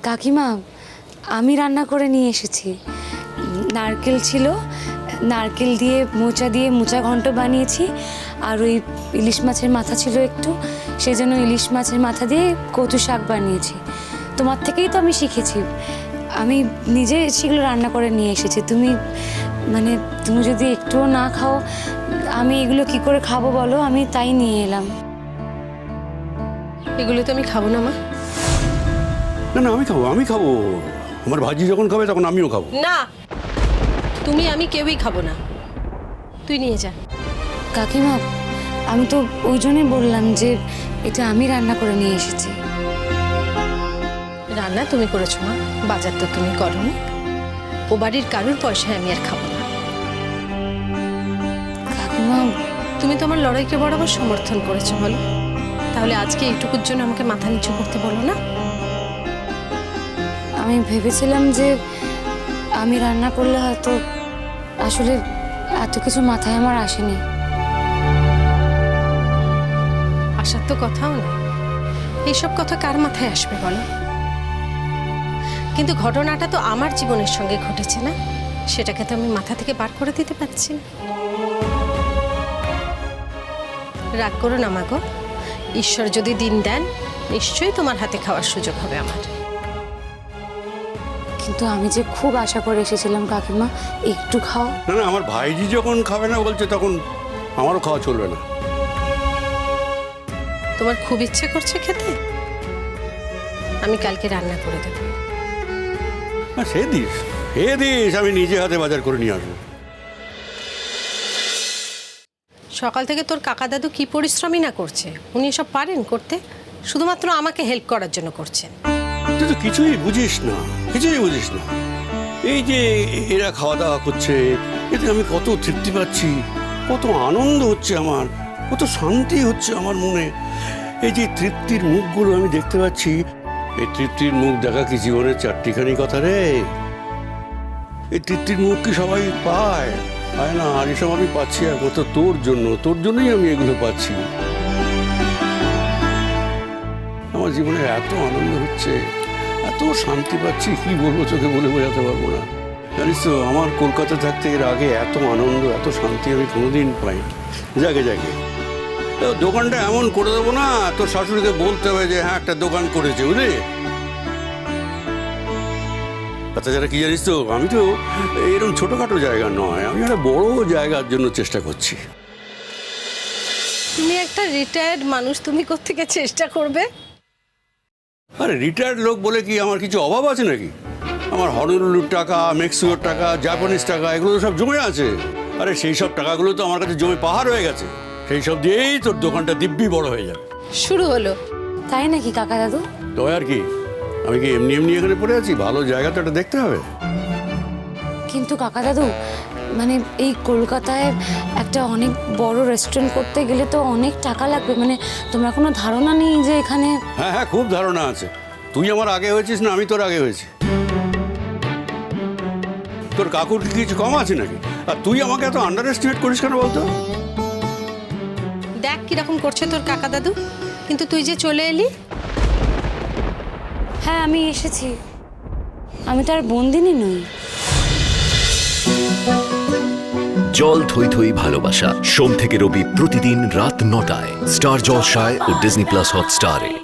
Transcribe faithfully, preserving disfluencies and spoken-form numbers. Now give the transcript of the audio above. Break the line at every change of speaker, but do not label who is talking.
কাকিমা আমি রান্না করে নিয়ে এসেছি। নারকেল ছিল, নারকেল দিয়ে মোচা দিয়ে মোচা ঘন্ট বানিয়েছি। আর ওই ইলিশ মাছের মাথা ছিল একটু, সেই জন্য ইলিশ মাছের মাথা দিয়ে কচু শাক বানিয়েছি। তোমার থেকেই তো আমি শিখেছি, আমি নিজে সেগুলো রান্না করে নিয়ে এসেছি। তুমি মানে তুমি যদি একটুও না খাও, আমি এগুলো কি করে খাবো বলো? আমি তাই নিয়ে এলাম।
এগুলো তো আমি খাবো না মা।
না না আমি খাবো, আমি খাবো। আমার ভাজি যখন খাবে তখন আমিও খাবো।
না, তুমি আমি কেউই খাবো না, তুই নিয়ে যা।
কাকিমা আমি তো ওই জন্যই বললাম যে এটা আমি রান্না করে নিয়ে এসেছি।
রান্না তুমি করেছো মা, বাজার তো তুমি করোনি। ও বাড়ির কারুর পয়সায় আমি আর খাবো না।
কাকিমা
তুমি তোমার লড়াইকে বরাবর সমর্থন করেছো বলো, তাহলে আজকে এইটুকুর জন্য আমাকে মাথা নিচু করতে বলো না।
আমি ভেবেছিলাম যে আমি রান্না করলে হয়তো, আসলে এত কিছু মাথায় আমার আসেনি।
আসার তো কথাও না, এইসব কথা কার মাথায় আসবে বলো? কিন্তু ঘটনাটা তো আমার জীবনের সঙ্গে ঘটেছে না, সেটাকে তো আমি মাথা থেকে বার করে দিতে পারছি না। রাগ করো না মাগো, ঈশ্বর যদি দিন দেন নিশ্চয়ই তোমার হাতে খাওয়ার সুযোগ হবে আমার।
কিন্তু আমি যে খুব আশা করে এসেছিলাম কাকিমা, একটু খাও।
না না আমার ভাইজি যখন খাবে না বলছে তখন আমারও খাওয়া চলবে না।
তোমার খুব ইচ্ছে করছে খেতে, আমি কালকে রান্না করে দেবো।
না সে দিস, সে দিস, আমি নিজে হাতে বাজার করে নিয়ে আসবো।
সকাল থেকে তোর কাকা দাদু কি পরিশ্রমই না করছে, উনি এসব পারেন করতে? শুধুমাত্র আমাকে হেল্প করার জন্য করছেন।
তুই তো কিছুই বুঝিস না, কিছুই বুঝিস না। এই যে এরা খাওয়া দাওয়া করছে, এতে আমি কত তৃপ্তি পাচ্ছি, কত আনন্দ হচ্ছে আমার, কত শান্তি হচ্ছে আমার মনে। এই যে তৃপ্তির মুখগুলো আমি দেখতে পাচ্ছি, এই তৃপ্তির মুখ দেখা কি জীবনের চারটিখানি কথা রে? এই তৃপ্তির মুখ কি সবাই পায়? পায় না। আর এসব আমি পাচ্ছি একমাত্র তোর জন্য, তোর জন্যই আমি এগুলো পাচ্ছি। আমার জীবনে এত আনন্দ হচ্ছে, এত শান্তি পাচ্ছি, কি বলবো, চোখে বলে বোঝাতে পারবো না। জানিস তো আমার কলকাতা থাকতে এর আগে এত আনন্দ, এত শান্তি আমি কোনোদিন পাই। যাকে যাকে দোকানটা এমন করে দেবো না, তোর শাশুড়িকে বলতে হবে যে হ্যাঁ একটা দোকান করেছে, বুঝলি? তাছাড়া কি জানিস তো, আমি তো এরকম ছোটখাটো জায়গা নয়, আমি একটা বড় জায়গার জন্য চেষ্টা করছি।
তুমি একটা রিটায়ার্ড মানুষ, তুমি কোত্থেকে চেষ্টা করবে?
আরে রিটায়ার্ড লোক বলে কি আমার কিছু অভাব আছে নাকি? আমার হনলুলুর টাকা, মেক্সিকোর টাকা, জাপানিজ টাকা, এগুলো তো সব জমে আছে। আরে সেই সব টাকাগুলো তো আমার কাছে জমে পাহাড় হয়ে গেছে, সেই সব দিয়েই তোর দোকানটা দিব্যি বড় হয়ে যাবে।
শুরু হলো
তাই নাকি কাকা দাদু?
তো আর কি, আমি কি এমনি এমনি এখানে পড়ে আছি? ভালো জায়গা তো এটা দেখতে হবে।
কিন্তু কাকা দাদু মানে এই কলকাতায় একটা অনেক বড় রেস্টুরেন্ট করতে গেলে তো অনেক টাকা লাগবে, মানে তোমার কোনো ধারণা নেই যে এখানে?
হ্যাঁ হ্যাঁ খুব ধারণা আছে। তুই আমার আগে হয়েছিস না আমি তোর আগে হয়েছি? তোর কাকুর কি কিছু কম আছে নাকি? আর তুই আমাকে এত আন্ডার এস্টিমেট করিস কেন বলতো?
দেখ কিরকম করছে তোর কাকা দাদু, কিন্তু তুই যে চলে এলি।
হ্যাঁ আমি এসেছি, আমি তো আর বন্দিনী নই।
জল থই থই ভালোবাসা, সোম থেকে রবি প্রতিদিন রাত নটায় স্টার জলসায় ও ডিজনি প্লাস হটস্টারে।